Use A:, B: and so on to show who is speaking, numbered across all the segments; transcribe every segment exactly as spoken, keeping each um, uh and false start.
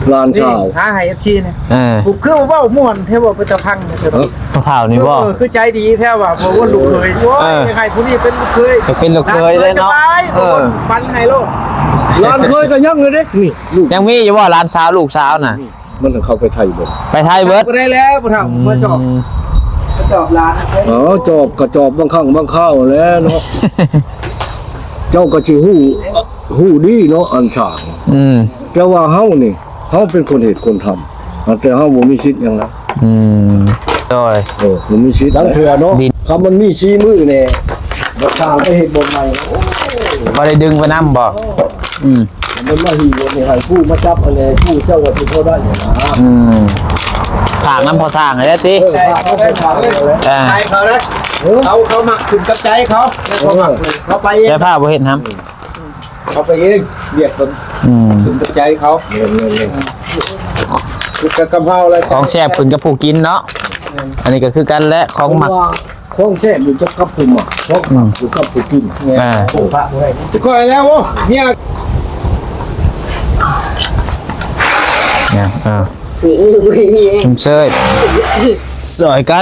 A: ลานชาว
B: หาให้ เอฟ ซี เนี่ย
C: เออ
B: ผมคือเว้าม่วนแท้บ่เป็นตะพังเนี่ยเถอะ
C: พ่อเฒ่านี่บ่
B: เออคือใจดีแท้ว่าเพราะว่าลูกเคยโอ้ยยังไงผู้นี้เป็นลูกเคย
C: จะเป็นลูกเคยเลยเนาะ
B: สบาย
C: เออ
B: ปันให้โลด
A: ลานเคยก็ยังเลยเด้นี่ลูก
C: ยังมีอยู่ว่าหลานสาวลูกสาวน่ะ
A: มันถึงเข้าไปไทยเบิด
C: ไปไทยเบิด
B: บ่ได้แล้วบ่ทำมาจอบมาจอบร้าน
A: อ๋อจอบกระจอบบางครั้งบางข้าวแล้วเนาะ เจ้าก็สิฮู้ฮู้ดีเนาะอันฉาง
C: อืม
A: แต่ว่าเฮานี่เฮาเป็นคนเหตุคนทำแต่เฮาบ่มีสิทธิ์หยังนะ
C: อืมโดย
A: เออบ่มีสิทธิ์ทั้งเถื่อเนาะ
C: ดิน
A: คำมันมีชี้มือแน่บ่ทางไปเฮ็ดบ่ใหม่โอ้
C: บ่ได้ดึงไปนำบ่อืม
A: มันมาหีบ่นี่ให้ผู้มาจับอะไรผู้เจ้าว่าสิพอได้หยังนะ
C: อืมถางน้ำพอสร้างเลยนะติ
A: เออพาเขาไปทางเลย
C: อ่า
B: ใจเขานะเขาเขามักขึ้นกับใจเขาแล้วเขามักเขาไปเอง
C: ใช้ผ้าบ่เห็นครับ
B: เขาไปเองเหยียดคน
C: อืม
B: ขึ้นกับใจเขา
A: เงินเงินเงิน
B: คือกะเพราอะไร
C: ของแซ่บขึ้นกับผู้กินเนาะอันนี้ก็คือกันและของหมัก
A: ของแซ่บอยู่จักกับผู้หมักของหมักอยู่กับผู้กิน
C: อ่า
B: ก็แล้วโอ้เนี่ย
C: เนี่ยอ่าชุมเชยสอยกัน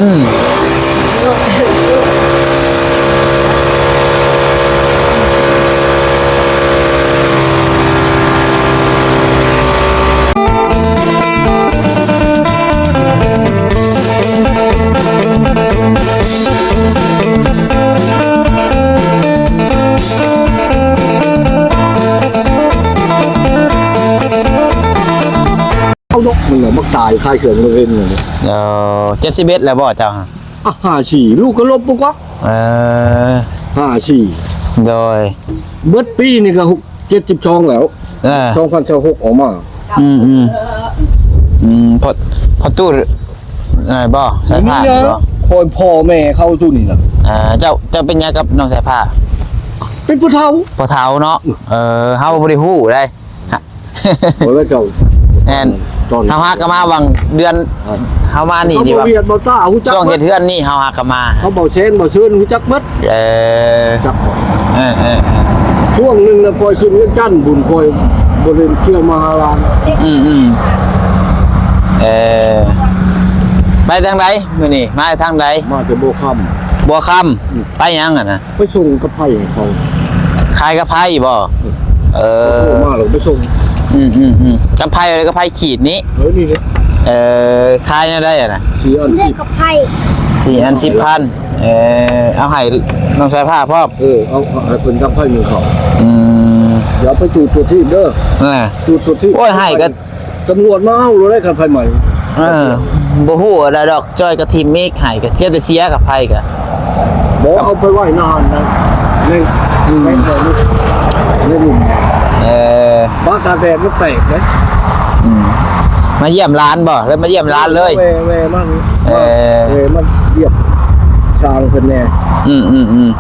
A: เอานกมันน่ะมักตายคายเขื่อนมาเล่นเนี่ย
C: เอ่อเจ็ดสิบเอ็ดแล้วบ่เจ้าฮะ
A: อ่ะห้าสี่ลูกก็ลบปุ๊กวะ
C: เออ
A: ห้าสี่
C: โดย
A: เบิดปีนี่ก็หกเจ็ดสิบสองแล้ว
C: เออ
A: สองพันสิบหกออกมา
C: อืมอืมอืมพอพอตู้อะไรบ่สายผ้า
A: นี่
C: บ่
A: นะคอยพ่อแม่เข้าตู้นี่นะ
C: อ่าเจ้าเจ้าเป็นยังกับน้องสายผ้า
A: เป็นผู้เฒ่า
C: พอเท้าเนาะเออเฮาบ่ได้ฮู้ได้ฮะ
A: โอ้ยเจ้า
C: แม่น
A: ตอน
C: เฮาฮักก็มาวังเดือนเฮามานี่
A: เขา
C: ดี
A: บอ
C: ว่า
A: เวียดบอต้าหูจัก
C: ช่วง
A: เบิ
C: เฮ็
A: ด
C: ดเฮือนนี่เฮาฮักก็มา
A: เขาบอกเชนบอกเชิญหูจักเบิด
C: เออ
A: จัก
C: เออเออเออ
A: ช่วงหนึ่งนะคอยขึ้นเรื่องจันทน์บุญคอยบริเวณเที่ยวมหาลาน
C: อืมอืมเออไปทางใดมื้อนี้มาทางใด
A: มาจะโบค
C: บัวคำไปยังอ่ะนะ
A: ำไปส่งกระไพ่ให้เขา
C: ขายกระไพบ่เอ
A: โทร
C: อ
A: มาหรือไปส่ง
C: อืมอืมอืมกระไพอะไรกระไพขีดนี้
A: เฮ้ยนี่เนี่ย
C: เออขายเนี่ยได้อ่ะนะ
A: สี่อัน
D: เลือ
A: สิ
D: ก
A: บ
D: กับไพ่
C: สี่อันสิบพันเออเอาให้น้องชายผ้าพ่อ
A: เออเอาเอาให้เป็นกระไพ่หนึ่งเขา
C: อืม
A: เดี๋ยวไปจูดตัวที่เด้อ
C: น่ะ
A: จูดตัวที่
C: โอ้ยให้ก็
A: ตำรวจมาเอาเราได้กระไพ่ใหม่
C: เออบ่ฮู้อะไรดอกจ้อยกับทีมเมกให้ก็เทียบแต่เสียกับไผก็
A: บอกเอาไปไหว้นานนะในในในในหลุม
C: เออ
A: บ้านตาแดดมันแตกเลย
C: อืมมาเยี่ยมร้านบ่แล้วมาเยี่ยมร้านเลย
A: แวแวมัน
C: เออ
A: แวมันเยียบสร้างเพิ่นแน่
C: อืมอืมอืม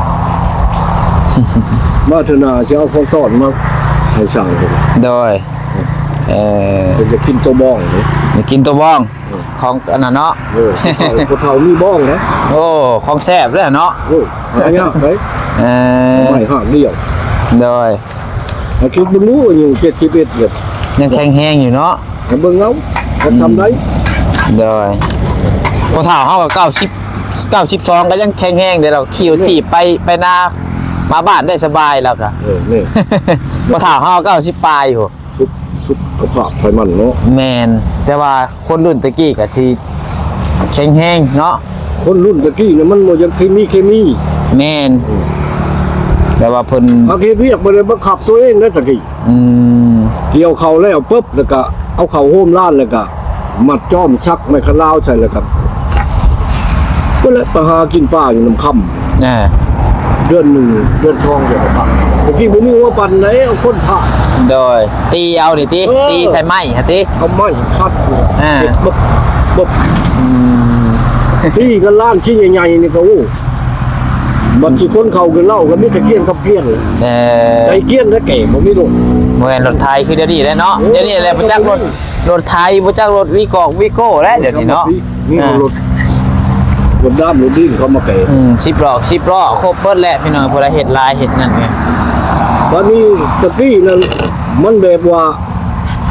A: มาธนาจะเอาของต้อนมาให้สร้างเพิ่น
C: โดยเออ
A: เพิ่นจะกินตัวบ้องนี่
C: มากินตัวบ้องของอันนั้นเนาะ
A: เออผู้เฒ่ามีบ้องนะ
C: โอ้ของแซ่บเลยเนาะ
A: โอ้หายากเลย
C: เออ
A: ไม่ห่างเดียว
C: โดย
A: ให้คิดบ่รู้อยู่เจ็ดสิบเอ็ดเลย
C: ยังแข็งแห้งอยู่เนาะ
A: ให้เบิ่งเอาเขาทำได้
C: โดยพอเท่าเฮาก็เก้าสิบเก้าสิบสองก็ยังแข็งแห้งเดี๋ยวเราขี่จีบไปไปนามาบ้านได้สบายแล้วก็
A: เออนี่
C: พอเท่าเฮาเก้าสิบปลายอยู่
A: สุดสุดกระเพาะไขมันเนาะ
C: แมนแต่ว่าคนรุ่นตะกี้ก็สิแข็งแห้งเนาะ
A: คนรุ่นตะกี้เนี่ยมันบ่ยังเคมีเคมี
C: แมนแต่ว่าเพิ่น
A: เอาเคเรียกบ่ได้บังคับตัวเองนะตะกี้
C: อืม
A: เกี่ยวเขาแล้วปุ๊บแล้วก็เอาเขาโฮมล้านแล้วก็มัดจ้อมชักไม้ขลาวใส่แล้วครับก็เลยไปหากินป้าอยู่น้ำค่
C: อ่า
A: ำเดือนหนึ่งเดือนทองเดียวกับตะกี้ผมมีว่าปันไหนเอาคนผ่า
C: โดยตีเอาดิติ
A: เออ
C: ตีใส่ไม้ฮะติ
A: เอาไม้คัดเลย
C: อ่า
A: เด็ดบบบบ
C: อืม
A: ที่กันล้านชิ้นใหญ่ๆนี่ก็โอ้บัดสิคนเขากันเล่ากันมีแต่เกี้ยนกับเกี้ยนเลย
C: เออ
A: ใจเกี้ยนและแก่ผมมีโดน
C: บ่แม่นรถไทยคือเดี๋ยวนี้แหละเนาะ
A: โอ้
C: เดี๋ยวนี้แหละบ่จักรถรถไทยบ่จักรถวีกอกวีโก้แล้วเดี๋ยวนี้เนาะ
A: นี่รถรถด้ามรถดิ้นเขามาแก่
C: อืมสิบล้อสิบล้อครบเบิดแล้วพี่น้องพวกเราเฮ็ดลายเฮ็ดนั่นไง
A: วันนี้ตะกี้นั้นมันแบบว่า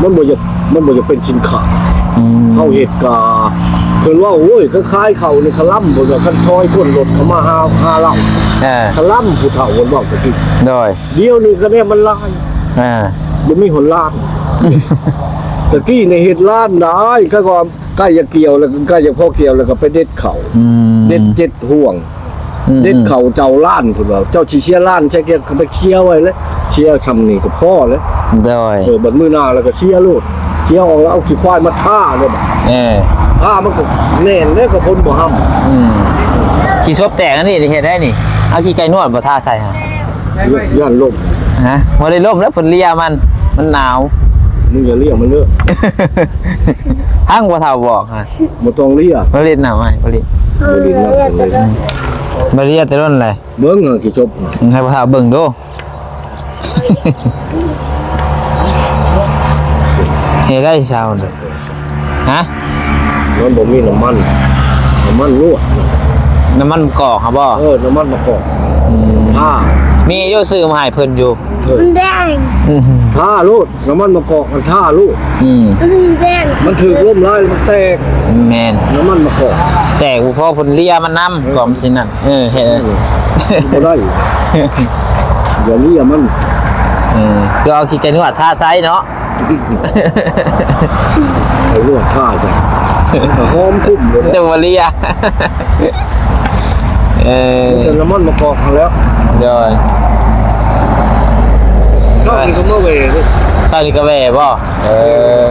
A: มันบ่จะมันบ่จะเป็นสินค้า
C: อืม
A: เฮาเฮ็ดกาเพิ่นว่าโอ้ยคล้ายๆเขาในคลัมเพิ่นว่าคันทอยคนรถเข้ามาหาหาเรา
C: เออ
A: คลัมผู้เฒ่าเพิ่นบอกตะกี้
C: โดย
A: เดี๋ยวนี้ก็เนี่ยมันลาย
C: เออ
A: บ่มีหนลานตะกี้ในเฮ็ดล้านได้ก็ก็ใกล้จะเกี่ยวแล้วก็ใกล้จะพอเกี่ยวแล้วก็ไปเด็ดเขา
C: อืม
A: เด็ดเจ็ดห่วง
C: อืม
A: เด็ดเขาเจ้าล้านพุ่นว่าเจ้าสิเชียร์ล้านใช่เกี่ยวเขาไปเชียร์ไว้แล้วเชียร์ชำนี่ก็พอแล้ว
C: โดย
A: เออบัดมื้อหน้าแล้วก็เชียร์โลดเชียร์ออกแล้วเอาขี้ควายมาท่าเลยบัด
C: เออ
A: ท่ามันก็แน่นแล้วก็พ้นบ่ห้ำ
C: อืมขี้ซบแตกอันนี้เฮ็ดได้นี่เอาขี้ไก่นวดบ่ท่าใส่ฮะ
A: ย่านลม
C: ฮะบ่ได้ล่มแล้วฝนเลียมันมันหนาว
A: มึงอย่าเรียกมันเด้อ
C: ห้างบ่เท่าบอกฮะ
A: บ่ต้องเรียก
C: บ่เล่นหนาวให้บ่เล่น
A: บ่ดีนะเลย
C: บ่เลียแต่ต้นเลย
A: เบิ่งอะกี่จบ
C: ให้บ่เท่าเบิ่งดู เฮ็ดได้เช้าน่ะฮะ
A: มันบ่มีน้ำมันน้ำมันลวก
C: น้ำมันกอกครับบ่
A: เออน้ำมันมะกอกท่า
C: มีอยู่ซื้อมาให้เพิ่นอยู่
A: เออ
D: มันแดง
C: อืม
A: ท่าโลดน้ำมันมะกอกมันท่าลูก
C: อืม
D: มันแดง
A: มันถือล่มลายมันแตก
C: แม่น
A: น้ำมันมะกอก
C: แต่กูพอเพิ่นเลียมันนำก่อมสินั่นเออเฮ็ด
A: บ่ได้อย่าเรียกมัน
C: เออคือเอาขี้ไก่นวดท่าไซเนาะ
A: ไอ้ลวกท่าจ้ะหอมคุ้มเลย
C: จะมาเลีย เออ
A: แต่น้ำมันมะกอกแล้ว
C: เดี๋ยว
A: ชอบกินก็เมื่อเวร
C: ใส่นี่ก็แว่บ่เออ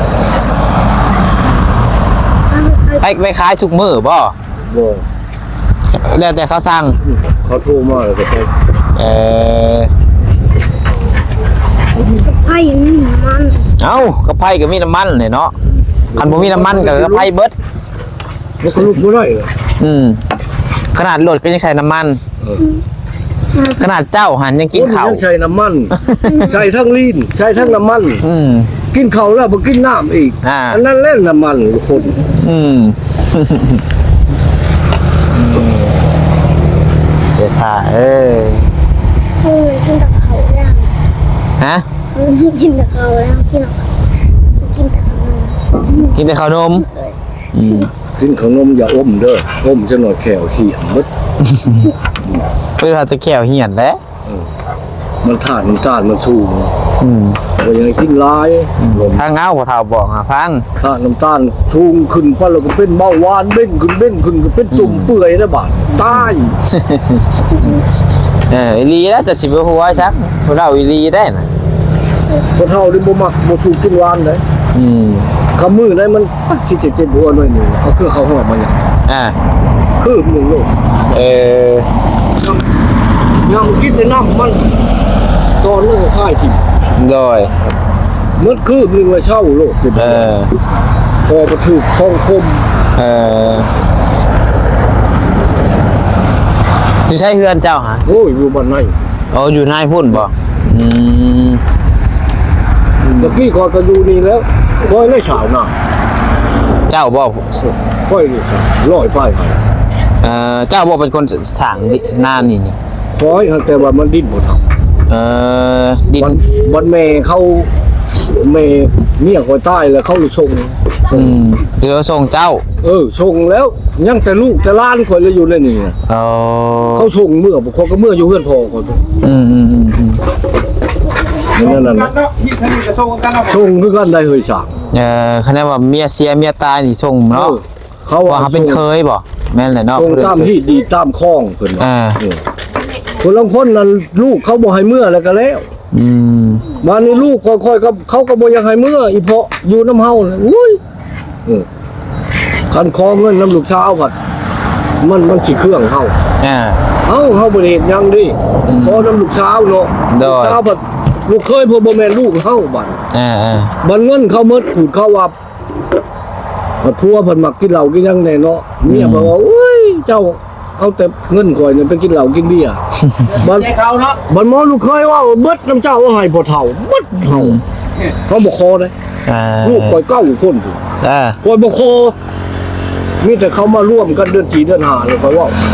C: ไปไปขายทุกมื้อบ่
A: บ่
C: แล้วแต่เขาสั่ง
A: เขาโทรมาแล้วก็ไป
C: เออ
D: ไผ่นี่มัน
C: เอ้ากระไผก็มีน้ำมันเนี่ยเนาะคันบ่มีน้ำมันก็กระไผเบิด
A: มันก็ลุกบ่ได้เลย
C: อืมขนาดรถก็ยังใช้น้ำมัน ขนาดเจ้าหันยังกินข้าว
A: คนยังใช้น้ำมัน ใช้ทั้งลีนใช้ทั้งน้ำมัน
C: อืม
A: กินข้าวแล้วบ่กินน้ำอีก
C: อ่า
A: อันนั้นแหละน้ำมันคน
C: อืม เดี๋ยวถ่าเอ้ย
D: เออกินแต่เขาแล้ว
C: ฮะ
D: กินแต่เขาแล้วกินแต่เขากินแต่ขนม
C: กินแต่ข้าวนมอืม
A: กินขนมอย่าอมเด้ออมจะหน่อยแขวเขียมมด
C: เพื่อตะแขวเหียนแหล้ว
A: มันทานน้ำตาลมันสูง
C: อืม
A: ก็ยังกินหลายลม
C: ทางเงาบ่เท่าบอกอ่ะพัง
A: ทานน้ำตาลสูงขึ้นพอแล้วก็เป็นเบาหวานเบ้งขึ้นเบ้งขึ้นก็เป็นตุ่มเปื่อยแล้วบาดตาย
C: เอออีหลีแล้วจะสิบ่ฮู้ว่าซักพวกเราอีหลีได้น่ะ
A: พอเท่านี่บ่มักบ่ถูกกินหวานเลย
C: อืม
A: คำมือได้มันสิเจ็บๆหัวหน่อยหนึงเอาเครื่องเขาหอมมาอย่าง
C: อ่า
A: คือหนึงโลก
C: เออ
A: ยำกินแต่น้ำมันตอนนั้นก็ค่ายทิ่ม
C: โดย
A: มันคือหนึงว่าเช่าโลก
C: เออ
A: พอมาถูกคองคม
C: เออสิใช้เฮือนเจ้าหะ
A: โอ้ยอยู่บ้านไหน
C: เอาอยู่นายพุ่นบ่อืม
A: ตะกี้ก่อนก็อยู่นี่แล้วค่อยได้ฉาวหน้า
C: เจ้าบ่
A: ค่อยได้ฉาวร้อยป้ายครับ
C: เอ่อเจ้าบ่เป็นคนสร้างดิหน้านี่นี่
A: ค่อยแต่ว่ามันดิ้นบ่ทำ
C: เอ่อดิน
A: วันวันแม่เขาแม่เมียคอยตายแล้วเขาเลยชง
C: อืมเดี๋ยวส่งเจ้า
A: เออชงแล้วยังแต่ลูกแต่หล้านคอยเลยอยู่ในนี่นะ
C: เอา
A: เขาชงเมื่อบ่เขาก็เมื่ออยู่เฮือนพ่อเขา
C: อืมอืมอืมอืม
A: นั่นนั่น
B: กั
A: น่ะ
B: นเนาะที่ทางนี้จะส่งกันเนาะ
A: ชงคือกันได้เฮยสาก
C: เอ่อคะแนนว่าเมียเสียเมียตายนี่ส่ง
A: เอ
C: เนาะ
A: อเขา
C: ว่าเขาเป็นเคยบ่แม่นแหละเนาะ
A: ชงตามที่ดีตามคล้องเพิ่นว่า
C: อ่า
A: เออคนลางคนนั้นลูกเขาบ่ให้เมื่อแล้วก็แล้ว
C: อืม
A: มานี่ลูกค่อยๆก็เขาก็บ่อยากให้เมื่ออีเพาะอยู่น้ำเฮาน่ะอุ้ยเออคันคอเงินน้ำลูกสาวผัดมันมันสิเครื่องเฮา
C: อ่า
A: เฮาเฮาบ่ได้เฮ็ดหยังดิขอน้ำลูกสาวเนาะ
C: ได้
A: ลูกสาวผัดลูกเคยพวกบ่แม่นลูกเฮาบัด
C: อ่าอ่า
A: บัดเงินเขาหมดพูดเขาว่าบัดผัวเพิ่นมักกินเหล้ากินหยังแน่เนาะเมียบอกว่าอุ้ยเจ้าเอาแต่เงินข่อยนี่ไปกินเหล้ากินเบียร์บัด
B: ใจเขาเนาะ
A: บันหมอลูกเคยว่าเบิดน้ำเจ้าเอาให้พ่อเฒ่าเบิดเฒ่าเขาบ่คอเลย
C: อ่า
A: ลูกคอยเก้าคนพุ่น
C: อ่า
A: คอยบ่คอมีแต่เขามาร่วมกันเดือนสี่เดือนห้าเลยคอยว่าค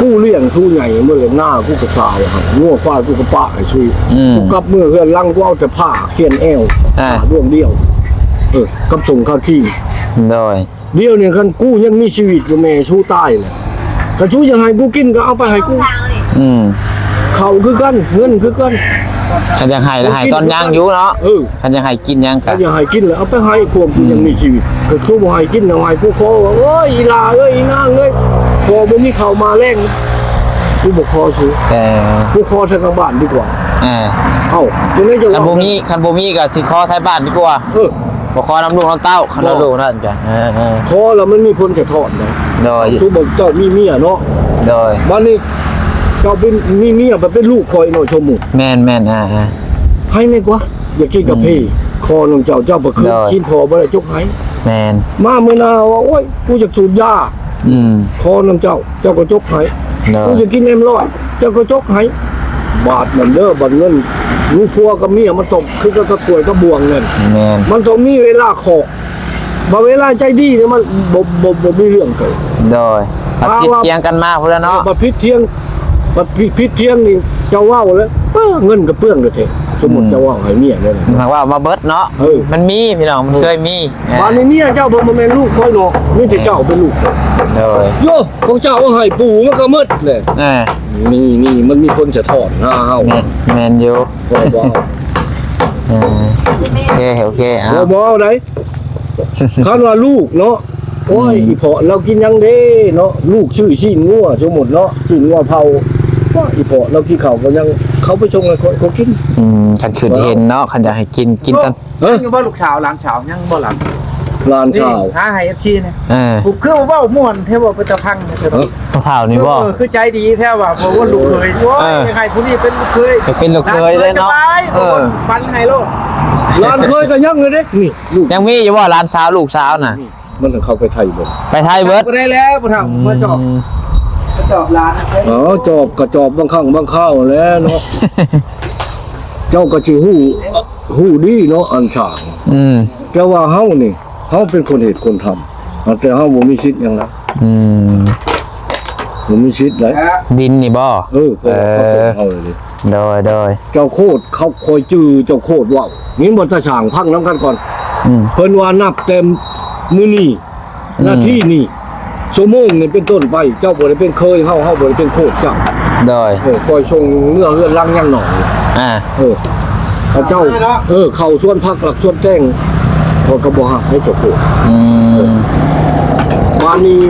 A: ผู้เลี้ยงผู้ใหญ่เมื่อหน้ากูกระสาวครับงัวฟ้ากูกระปะไอ้ชุย
C: อืม
A: กูกลับเมื่อเฮือนลังกูเอาแต่ผ้าเขียนแอว
C: อ่า
A: ผ้าดวงเดียวเออกับส่งข้าวขี้
C: โดย
A: เดียวเนี่ยคันกูยังมีชีวิตอยู่แม่ชูใต้เลยถ้าชูยังให้กูกินก็เอาไปให้กู
C: อืม
A: เขาคือกันเงินคือกัน
C: คันยังให้ให้ตอนย่างอยู่เนาะ
A: เออ
C: คันยังให้กินยังกะ
A: ถ้าอยากให้กินแล้วเอาไปให้พวกกูยังมีชีวิตก็คือบ่ให้กินเอาให้กูขอว่าโอ้ยอีลาเอ้ยอีนางเอ้ยพอบ่มีข้าวมาแรงกูบ่ขอชู
C: แต่
A: กูขอทางกลางบ้านดีกว่า
C: เออ
A: เอ้าจังได๋จะ
C: คัน
A: ว่า
C: บ่มีคันบ่มีก็สิขอไทยบ้านดีกว่า
A: เออ
C: บ่ขอน้ำลูกน้ำเต้าคันเราลูกนั่นจ้ะเออเออ
A: ขอแล้วมันมีผลจะทอดนะ
C: โดย
A: ชูบอกเจ้ามีเมียเนาะ
C: โดย
A: วันนี้เจ้าเป็นมีเมียแบบเป็นลูกคอยหน่อยชมหมู่
C: แม่นแม่นอ่าอ่า
A: ให้แม่กว่าอย่ากินกับพี่คอน้องเจ้าเจ้าบ่คือ
C: ได้
A: กินพอบ่ได้จกให้
C: แม่น
A: มาเมื่อนาว่าโอ้ยกูอยากสูบยา
C: อืม
A: คอน้องเจ้าเจ้าก็จกให้
C: โด
A: กู
C: ย
A: จะกินเอ็มร้อยเจ้าก็จกให้บาทมันเด้อบัดเงินลูกพัวกับเมียมันตกคือก็กระถวยก็บวงเงิน
C: แม่น
A: มันต้องมีเวลาขอกบ่เวลาใจดีเนี่ยมันบ่บ่บ่มีเรื่องเกิด
C: โดยปัดผิดเถียงกันมาพุ่นแล้วเนาะ
A: บัดพิษเที่ยงบัดพิพิษเที่ยงนี่เจ้าเว้าแล้วเอ้อเงินก็เปลืองเด้อเถอะสมมุติเจ้าเว้าให้เมียเนี่ยนะ
C: หมายว่ามาเบิดเนาะ
A: เออ
C: มันมีพี่น้องมันเคยมีเออ
A: บ้านนี้เมียเจ้าบ่มาแม่นลูกคอยหรอกมีแต่เจ้าเป็นลูก
C: โดย
A: โยของเจ้าเอาให้ปู่มันก็หมดเลย
C: เออ
A: นี่นี่มันมีคนจะถอนหน้าเฮา
C: แม่นแม่นอยู่
A: บ่บ่
C: เออโอเคโอเคเอา
A: บ่บ่เอาได้คันว่าลูกเนาะโอ้ยอีเพาะเรากินยังเด้เนาะลูกชื่อชีนงัวสมมุติเนาะชีนงัวเผาว่าอีเพาะเรากินข้าวก็ยังเขาไปชงให้เขาเขากิน
C: อืมคันขึ้นเห็นเนาะคันอยากให้กินกินกัน
A: เอ้ย
B: ยังบ่ลูกสาวหลานสาวยังบ่หลัง
A: ลาน
B: นี่
A: ชาว
B: หาให้ เอฟ ซีเนี่ย
C: เออ
B: ผมคือว่าเว้าม่วนแท้ว่าเป็นตะพังเนี่ยเถอะ
A: เอ้ย
C: พอเท่านี่บ่
B: เออคือใจดีแท้ว่าเพราะว่าลูกเคยโอ้ย
C: เออ
B: ยังไงผู้นี้เป็นลูกเคย
C: ไปเป็นลูกเคยเลยเนาะ
B: สบาย
C: เออ
B: ปันให้โลด
A: ลานเคยก็ยังเลยเด้นี่ลูก
C: ยังมีอยู่ว่าร้านสาวลูกสาวน่ะ
A: นี่มันถึงเข้าไปไทยเบิด
C: ไปไทยเบิร์ด
B: บ่ได้แล้วบ่ทำมาจอบมาจอบร้าน
A: อ๋อจอบกระจอบบางครั้งบางข้าวแหล้วเนาะ เจ้าก็สิฮู้ฮู้ดีเนาะอันฉาง
C: อืม
A: แต่ว่าเฮานี่เฮาเป็นคนเหตุคนทำแต่เฮาบ่มีสิทธิ์หยังนะ
C: อืม
A: บ่มีสิทธิ์เลย
C: ดินนี่บ่
A: เออเพราะว่าเขาส่งเฮาเลยดิ
C: โดยโดย
A: เจ้าโคตรเขาคอยจื้อเจ้าโคตรเว้างี้บ่ตาช่างพังน้ำกันก่อน
C: อืม
A: เพิ่นว่านับเต็มมื้อนี้
C: อืม
A: หน้าที่นี่ชั่วโมงนี่เป็นต้นไปเจ้าบ่ได้เป็นเคยเฮาเฮาบ่ได้เป็นโคตรเจ้า
C: โดย
A: เออคอยส่งเมื่อเฮือนลังยังหน่อย
C: อ่า
A: เออพระเจ้าเออเข้าส่วนพักหลักส่วนแจ้งพอกระบอกหักให้เจ้าโคตร
C: อืม
A: บ้านนี้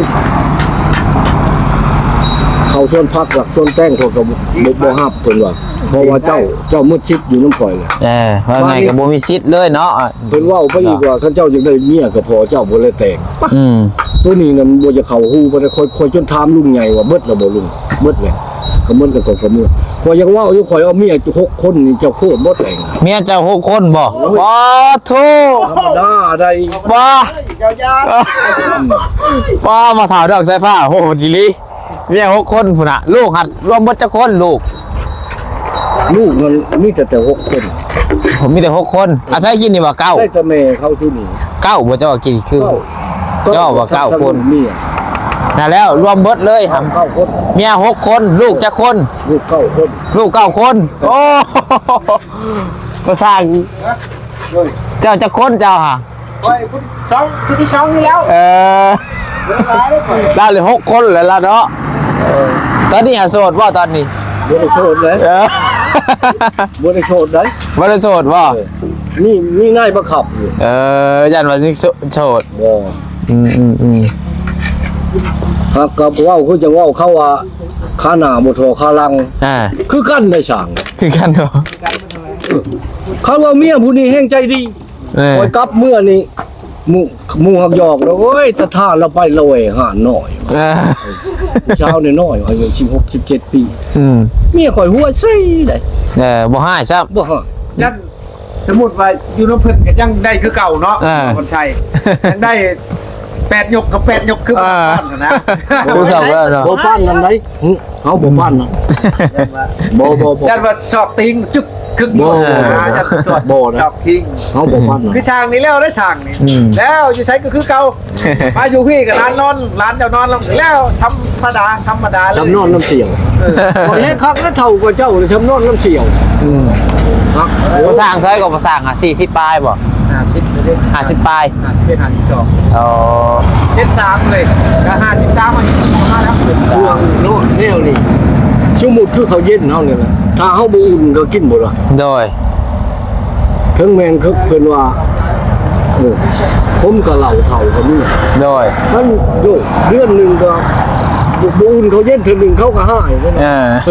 A: เข้าส่วนพักหลักส่วนแจ้งพอกระบอกบ่หักเพิ่นว่าเพราะว่าเจ้าเจ้ามืดชิดอยู่น้ำฝอยเลย
C: เออว่าไงกับบ่มีสิทธิ์เลยเนาะ
A: เพิ่นเว้าไปอีกว่าท่านเจ้าจึงได้เมียก็พอเจ้าบ่เลยแต่ง
C: อืม
A: ตัวนี้น่ะบ่จะเข้าฮู้บ่ได้คอยคอยจนถามลุงใหญ่ว่าเบิดแล้วบ่ลุงเบิดแล้วก็เหมือนกันกับเมื่อคอยยังเว้าอยู่คอยเอาเมียหกคนนี่เจ้าโคตรบ่แต่ง
C: เมียเจ้าหกคนบ่บ่โท
A: ธรรมดาได้
C: บ่
B: ยาว
C: บ่มาถาวดอกสายฟ้าโหดีลีเมียหกคนพุ่นน่ะลูกหัดรวมเบิดจักคนลูก
A: ลูกมันมีแต่แต่หกคน
C: ผมมีแต่หกคนอาศัยกินนี่ว่าเก้า
A: ได้แต่แม่เขาที่นี่
C: เก้าบ่เจ้าว่ากินคือ เจ้าว่าเก้าคน
A: เมีย
C: นั่นแล้วรวมเบิดเลยหำ
A: เก้าคน
C: เมียหกคนลูกจักคน
A: ลูกเก้าคน
C: ลูกเก้าคน โอ้ก็สร้างเจ้าจักคนเจ้าฮะ
B: โอ้ยผู้ที่สองผู้ที่สองนี่แล้ว
C: เออ
B: เวลาได้เปิด
C: ได้เลยหกคนเลยละเนาะตอนนี้หาโสดว่าตอนนี้
A: บ่ได้โชดเลย
C: เออ
A: บ่ได้โชดเลย
C: บ่ได้โสดว่า
A: นี่นี่นายบังคับอยู่
C: เออยันว่านี่โสด
A: บ่
C: อืมอืมอืม
A: หากกับเว้าคือจะเว้าเขาว่าขาหน้าบ่ทอขาหลัง
C: อ่า
A: คือกันได้ช่าง
C: คือกันเนาะ
A: เขาว่าเมียผู้นี้แห่งใจดี
C: เออ
A: คอยกลับเมื่อนี้หมู่หมู่หักหยอกแล้วโอ้ยตะท่าเราไปละเวยหาหน่อย
C: เออ
A: เช้านี่น้อยอายุสิบหก สิบเจ็ดปี
C: อืม
A: เมียข่อยหัวซี่ได้
C: เออบ่ให้ซับ
A: บ่ฮะ
B: ยันสมมุติว่าอยู่น้ำเพิ่นก็ยังได้คือเก่าเนาะ
C: อ่า
B: คนชัยยังได้แปดยกกับแปดยกคือบ้านกันนะ
C: คือเขาว่าเนาะ
A: บ่ป้านกันไหนหึเอาบ่ป้านนะบ่บ่บ่
B: ยันว่าชอกติงจึกคึกบ่ยันสอด
A: บ่นะ
B: ชอกติง
A: เอาบ่ป้านนะ
B: คือช่างนี่แล้วได้ช่างนี่แล้วอยู่ใช้ก็คือเก่ามาอยู่พี่กับร้านนอนร้านเจ้านอนแล้วธรรมดาธรรมดาเลย
A: ชำนอนน้ำเสียวบ่แลคักแล้วเท่ากว่าเจ้าเลยชำนอนน้ำเสียวครับ
C: ภาษาเท่าไหร่ก็ภาษาอ่ะสี่สิบปลายบ่
B: ห้าสิบเลย
C: ห้าสิบปลาย
B: ห้าสิบเป็นห้าสิบสอง
C: อ๋อ
B: เจ็ดสามเลยก็ห้าสิบสามมาสิบมาแล้ว
A: เครื่องโน่นแนวนี่สมมุติคือเขาเย็นเฮานี่แหละถ้าเฮาบ่อุ่นก็กินบ่ล่ะ
C: โดย
A: ถึงแม่นคือเพิ่นว่าเออคมกับเหล้าเฒ่าก็มี
C: โดย
A: มันโยกเดือนหนึงก็บ่บ่อุ่นเขาเย็นเทื่อหนึงเขาก็หายนั่น
C: เอ
A: น่ะ
C: อ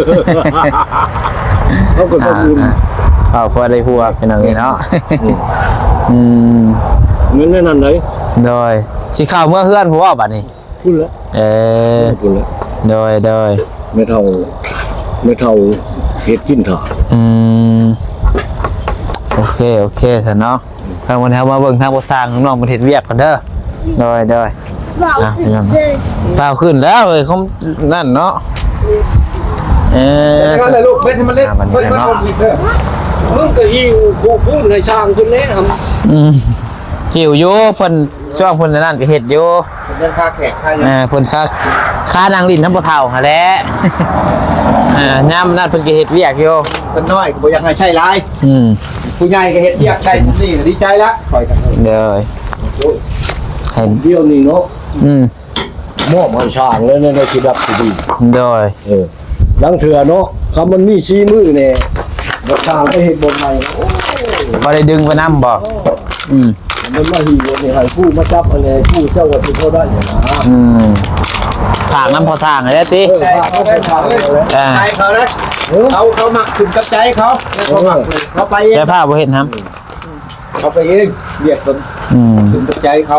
A: เขาก็ต้องอุ่น
C: เอาพอได้หัวเป็นอย่างนี้เนาะอืม
A: เงินในนั้นไหน
C: โดยสิเข้าเมื่อเฮือนผู้ว่าบัดนี้
A: พูดแล้ว
C: เออ
A: พูดแล้ว
C: โดยโดย
A: ไม่เท่าไม่เท่าเฮ็ดกินถ่า
C: อืมโอเคโอเคซะเนาะทางวันนี้มาเบิ่งทางบ่สร้างน้องๆบ่เฮ็ดเวียกกันเด้อโดยโดย
D: บอกขึ้นเลย
C: เปล่าขึ้นแล้วเอ้ยเขานั่นเนาะเออ
B: ก็เลยลูกเบ็ดให้มันเล็กเพิ่นเพิ่นลงอีกเด้อ
A: มึงก็หิวกูพูดให้ช่างคนนี้ครับ
C: อืมกิ่วอยู่เพิ่นช่วงเพิ่นนั่นก็เฮ็ดอยู่
B: เดินค่าแขกค่า
C: เออเพิ่นค่าค่านางลิ้นน้ำบ่เฒ่าหั่นแหละเอ่ายามนั้นเพิ่นก็เฮ็ดเวียกอยู่
B: เพิ่นน้อยก็บ่อยากให้ใช้หลาย
C: อืม
B: ผู้ใหญ่ก็เฮ็ดเรียกได้นี่ดีใจละคอยกัน
C: เด้อให้
A: เดี๋ยวนี้เนาะ
C: อืม
A: มอบให้ช่างแล้วในชีวิตที่ดี
C: โดย
A: เออลังเถื่อเนาะคำมันมีชี้มือเนี่ยบ่ช่างไปเฮ็ดบนใหม่โอ้
C: บ่ได้ดึงไปนำบ่อืม
A: มันมาหีนี่ให้ผู้มาจับอะไรผู้เจ้าว่าสิเขาได้อย่างนะ
C: อืมถางน้ำพอสร้างให้ได้ติ
A: เออว่าเขาไปช่างเลย
C: อ่า
B: ใจเขานะเขาเขามักขึ้นกับใจเขาแล้วเขามักเขาไปเอง
C: ใช้ผ้าบ่เฮ็ดครับ
B: เขาไปเองเหยียดคน
C: อืม
B: ขึ้นกับใจเขา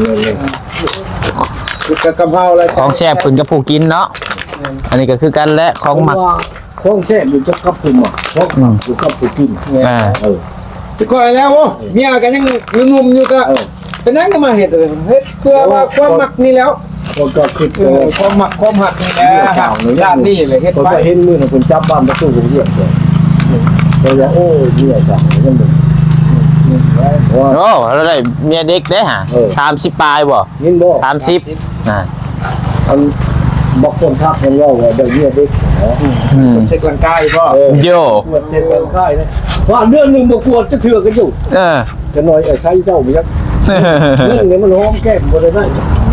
B: คือกับกะเพราอะไร
C: ของแซ่บขึ้นกับผู้กินเนาะอันนี้ก็คือกันและของหมัก
A: ว่าของแซ่บอยู่จะกับผู้หมักของหมักอยู่กับผู้กิน
C: อ่า
A: เออ
B: แต่ก็แล้วโอ้เมียกันยังงุ่มๆอยู่ก็
A: เออ
B: เป็นนั่งก็มาเห็ดเลยเฮ็ดเพื่อว่าความมักนี่แล้ว
A: คนก็คือ
B: เออความมักความหักนี่แหละด้านนี้เลยเฮ็ด
A: คน
B: ไป
A: ก็เห็นมือน่ะคนจับบ้านประตูผมเรียกเลยเราว่าโอ้ยเนี่ยสั่งยังบ่ว่า
C: โอ้เราได้เมียเด็กได้ฮะ
A: เออ
C: สามสิบปลายบ่
A: ยินบ่
C: สามสิบอ่า
A: อันบอกคนทักกันว่าว่าเดี๋ยวนี้เด็กเนาะ
C: อืม
B: เช็คร่างกายบ่
A: เออ
C: โย
A: ปวดเจ็บกันค่ายนะว่าเรื่องหนึงบ่ปวดจะเถื่อกันอยู่
C: เออ
A: จะน้อยไอ้ใช้เจ้าไปยักเรื่องนี้มันหอมแก้มบ่ได้ได้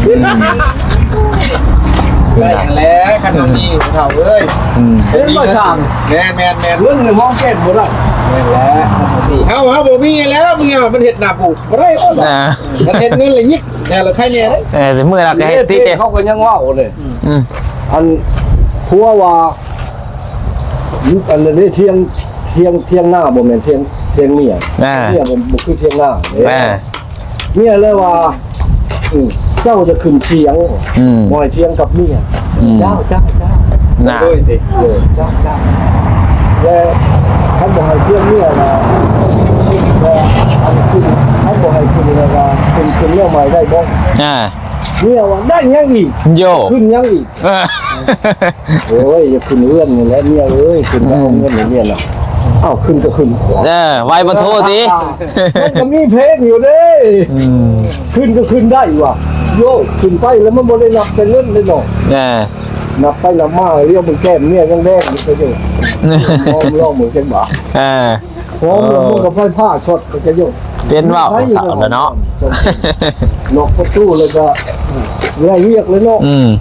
B: ได้อย่างแล้วขนมนี่เฒ่าเอ้ย
C: อืม
A: เห็นบ่ช่าง
B: แม่นแม่นแม่น
A: เรื่องนี้หอมแก้มบ่ได้
B: แม่นแล้วเฮาเฮาบ่มีแล้วเมียมันเฮ็ดหน้าปูบ่ได้โอ้ย
C: อ่า
B: มันเฮ็ดเงินเลยยิกแน่ละใครแน่เด้
C: เออแต่มือเราก็เฮ็ดติเตะ
A: เขาก็ยังว่าเลย
C: อืม
A: อันผัวว่าอันนี้เที่ยงเที่ยงเที่ยงหน้าบ่แม่นเที่ยงเที่ยงเมีย
C: อ่า
A: เมียบ่บ่คือเที่ยงหน้าเด้
C: อ่า
A: เมียเลยว่าอืมเจ้าจะขึ้นเที่ยง
C: อืม
A: บ่ให้เที่ยงกับเมีย
C: อืม
A: เจ้าเจ้าเจ้า
C: น่ะ
B: โอ้ยติ
A: เออเจ้าเจ้าแล้วท่านบ่ให้เที่ยงเมียนะแล้วอันขึ้นท่านบ่ให้ขึ้นเลยว่าขึ้นขึ้นเมียใหม่ได้บ่
C: อ่า
A: เมียว่าได้ยังอีก
C: โย
A: ขึ้นยังอีก
C: เออ
A: โอ้ยอย่าขึ้นเอื้อนนี่แหละเมียเอ้ยขึ้นเอาเงินนี่เมียน่ะเอ้าขึ้นก็ขึ้น
C: เออไว้บ่โทษติ
A: มันก็มีเพลงอยู่เด้
C: อืม
A: ขึ้นก็ขึ้นได้ว่ะโยขึ้นไปแล้วมันบ่ได้นับเป็นเงินเลยเนาะ
C: เออ
A: นับไปนับมาเรียกมึงแก้มเมียยังแดงอยู่ก็อยู่มองลองมึงจังบ่
C: เออ
A: พร้อมแล้วมึงก็ไฟผ้าช็อตก็จะอยู่
C: เป็นว่าวสาวแล้วเนาะ
A: นอกประตูเลยก็เรียกเรียกเลยเนาะ
C: อืม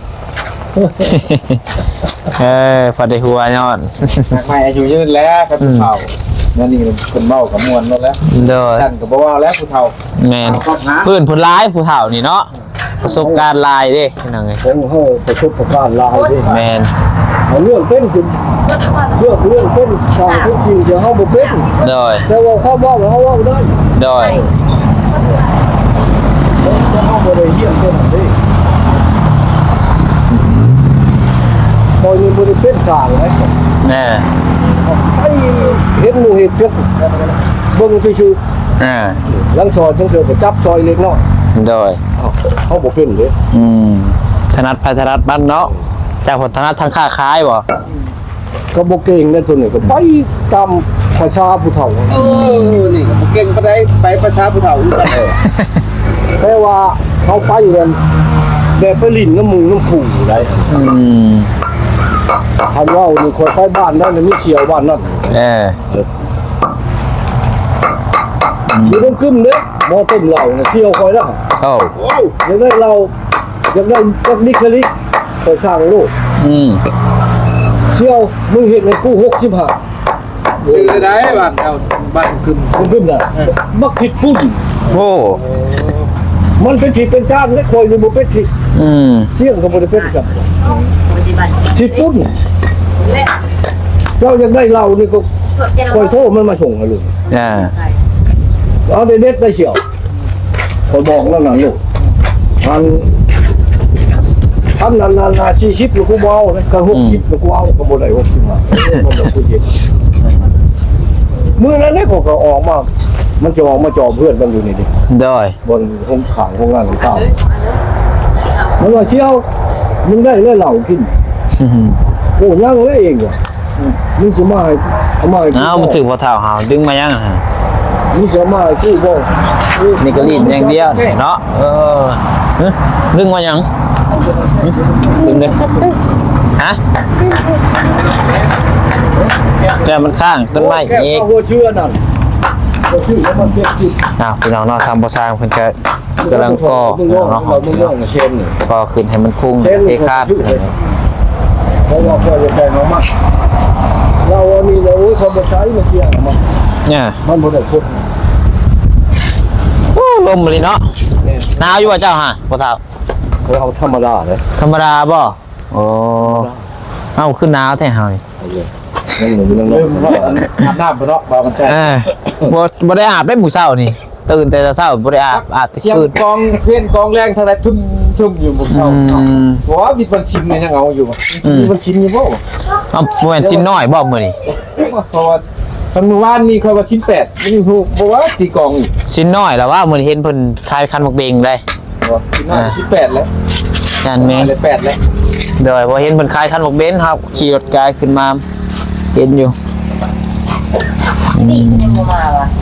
C: เออพอได้หัวย้อน
B: ใหม่อายุยืนแล้วครับผู้เฒ่านั่นนี่เพิ่นเว้ากับมวลหมดแล้ว
C: โดย
B: ท่านก็บ่เว้าแล้วผู้เฒ่า
C: แมนพื้นผลร้ายผู้เฒ่านี่เนาะประสบการณ์หลายเด้พี่น้องเอ้ย
A: ผมเฮาประสบการณ์หลายเด้
C: แมน
A: เอาเรื่องเป็นสิเรื่องเรื่องเป็นสองทุกสิ่งเดี๋ยวเฮาบ่เป็น
C: โดย
A: แต่ว่าเขาบอกว่าเขาเว้าได้
C: โดย
A: แต่เฮาบ่ได้เฮียนเพิ่นเด้พอนี่บ่ได้เป็นสร้างเลย
C: แน่
A: ไอ้เห็นหมู่เห็ดเพิ่นเบิ่งซื่อ
C: อ่า
A: ๆหลังซอยจังเถื่อก็จับซอยเล็กน้อย
C: โดย
A: อ้าวเขาบ่เป็นเด้
C: อืมถนัดไปถนัดบ้านเนาะจากผลถนัดทางค้าขายบ่
A: ก็บ่เก่งในตัวนี้ก็ไปตามภาษาผู้เฒ่า
B: เออนี่ก็บ่เก่งปานใดไปประชาผู้เฒ่าอยู่กัน
A: แต่ว่าเขาไปกันแบบไปลิ้นน้ำหมูน้ำผูได้
C: อืม
A: คันว่านี่คนไปบ้านนั้นมีเสียวบ้านนั้น
C: เออ
A: อยู่ต้องขึ้นเด้บ่ต้มเหล้าน่ะเสียวคอยแล้ว
C: โอ้
B: โอ้
A: อยากได้เหล้าอยากได้จักนิคลิไปสร้างโลก
C: อืม
A: เสียวมึงเห็นในกูหกสิบห้า
B: ชื่อได้บ้านเอาบ้านขึ้น
A: มึงขึ้นน่ะบักผิดปุ้น
C: โอ้
A: มันเป็นผิดเป็นจ้านและคอยนี่บ่เป็นผิด
C: อืม
A: เสี่ยงก็บ่ได้เป็นครับ
E: ปฏิบัติ
A: ผิดปุ้น
E: และ
A: เจ้าอยากได้เหล้านี่ก็คอยโทรมันมาส่งให้ลูก
C: อ่า
A: เอาได้เด็ดได้เฉียวคอยบอกแล้วนั่นลูกอันอันนั้นน่ะสี่สิบลูกกูบ่เอานะก็หกสิบลูกกูเอาก็บ่ได้หกสิบมาก็บ่กูเย็นมื้อนั้นเนี่ยก็ก็ออกมามันจะออกมาจอเพื่อนมันอยู่นี่ดิ
C: โดย
A: บนห้องขังห้องงานของข้าวมันว่าเชี่ยวมึงได้เลยเหล่ากิน
C: อืม
A: โอ้ยังเลยเองอ่ะมึงจะมาให้เอามาให้กู
C: เอามันถึงพอเท่าหาดึงมายังอะฮะ
A: มึงจะมาให้กูบ่
C: นี่ก็รีดอย่างเดียวเนาะเออเฮ้ยดึงมายังหึดึงเลยฮะแต่มันข้างต้นไม้อีก
A: โอ้เชื่อนั่นก็ชื่อแล้วมันเจ็บจิต
C: อ้าวพี่น้องเนาะทำบ่สร้างเพิ่นก็กำลังก่อ
A: มึง
C: พี่
A: ร้
C: น้
A: อ
C: อง งเนาะ
A: เรามึงร้องเชนนี่
C: ก่อขึ้นให้มันคุ้ง
A: เชน
C: เทคาด
A: เพราะว่าเพื่อจะแทงออกมาเราอันนี้เราโอ้ยเขาบ่ใช้มาเชี่ยมัน
C: เนี่ย
A: มันบ่ได้พูด
C: โอ้ลมเลยเนาะหนาวอยู่ว่าเจ้าฮะพ่อเฒ่า
A: เราธรรมดาเลย
C: ธรรมดาบ่โอ้เอ้าขึ้นหนาวแท้เฮานี่
A: นั่งหนึ่งนั่งน
B: ลืม
A: อน
B: ว่าอาบน้ำบ่เนาะบ่าวมันแซ่
C: เออบ่บ่ได้อาบได้หมู่เช้านี่ตื่นแต่เช้าบ่ได้อาบอาบแต่
B: เสียง
C: คืน
B: กองเพี้ยนกองแรงทางใดทุ่มทุ่มอยู่หมู่เศร้า
C: อืม
B: บ่ว่าวิดมันชิมเนี่ยยังเอาอยู่
C: อืม
B: มันชิมอยู่บ่
C: เอ้าบ่แม่นสิ้นน้อยบ่มื้อนี้
B: เพราะว่าทางหมู่บ้านนี่เขาว่าชิ้นแปดไม่รู้บ่ว่าตีกองอยู่
C: สิ้นน้อยแล้วว่ามื้อนี้เห็นเพิ่นคายคันหมกเบงได้
B: บ่ชิ้นน้อยชิ้นแปดแล้ว
C: นั่นแม่ง
B: เลยแปดแล้ว
C: เดี๋ยวพอเห็นเพิ่นคายคันหมกเบนครับขี่รถกายขึ้นมาเห็นอยู่
E: นี่ก็ยังบ่มาว่ะ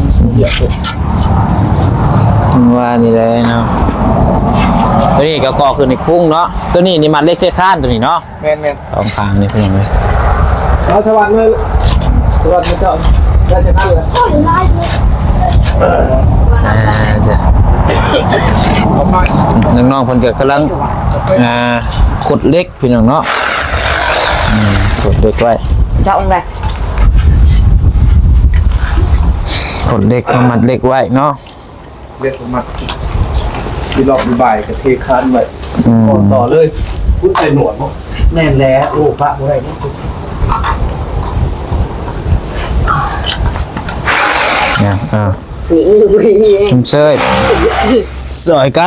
C: ว่านี่เลยเนาะตัวนี้ก็ก่อขึ้นในคุ้งเนาะตัวนี้นี่มันเล็กเท่ข้านตัวนี้เนาะ
B: แม่นแม่น
C: สองข้างนี่เป็นยังไง
B: เอาสวัสดีเลยสวัสดีเจ้าได้จะนั่นเลย
C: อ่าจ้ะ
B: เอามา
C: น้องๆเพิ่นก็กำลังอ่าขุดเล็กพี่น้องเนาะอืมขุดเล็กไว้
E: เจ้าองค์ใด
C: ขุดเล็กมามัดเล็กไว้เนาะ
B: เรียกผมมาที่รอบบ่ายกับเทคานไว้
C: อืม
A: ก่อนต่อเลยคุณใส่หนวดบ่
B: แน่นแล้วโอ้พระบ่ได้นี่
C: เนี่ยอ่า
E: นี่มือไม่มีเอง
C: ชุมเชยสอยกัน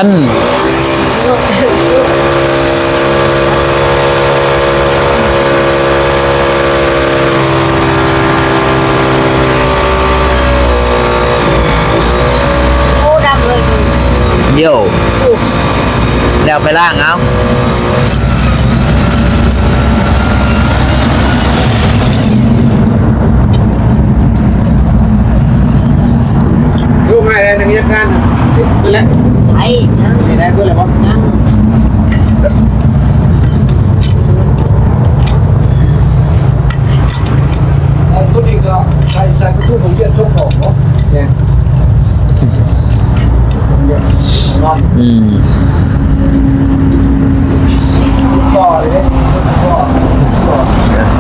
E: โอ้ดำเลย
C: โย่แล้วไปล่างเอา
B: ดูให้ได้ในงานเสร็จไปแล้ว
E: ใช่นะ
B: ไม่ได้เพื่ออะไรวะ
E: นะ
A: เอาตัวนี้ก็ใส่ใส่กระตุ้นของเยี่ยนชกออกเนาะ
B: เนี่ยนอน
C: อืม
B: ต่อเลยเนี่ยต่อต่อ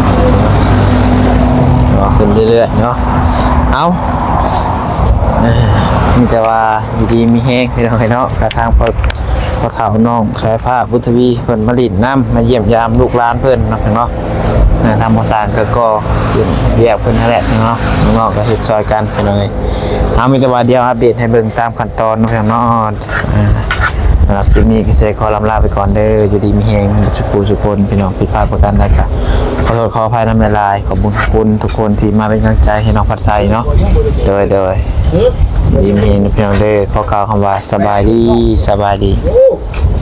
C: รอขึ้นเรื่อยๆเนาะเอาเอ้ยมีแต่ว่าอยู่ดีมีแห้งพี่น้องเนาะกระทางพอพอเฒ่าน้องสายผ้าบุทวีเพิ่นมาลินน้ำมาเยี่ยมยามลูกหลานเพิ่นเนาะพี่น้องเนาะเอ่อทำบ่สร้างก็ก็ขึ้นแยกเพิ่นนั่นแหละพี่น้องเนาะน้องๆก็เฮ็ดซอยกันพี่น้องเอ้ยเอามีแต่ว่าเดียวอัปเดตให้เบิ่งตามขั้นตอนเนาะพี่น้องเนาะอ่า สำหรับคลิปนี้ก็เซขอลำลาไปก่อนเด้ออยู่ดีมีแหงสุขูสุคนพี่น้องผิดพลาดประการใดก็ขอโทษขออภัยน้ำละลายขอบคุณขอบคุณทุกคนที่มาเป็นกำลังใจให้น้องพัดไซเนาะโดยโดยดีมีเฮงพี่น้องเด้อขอกล่าวคำว่าสบายดีสบายดี
A: โอ้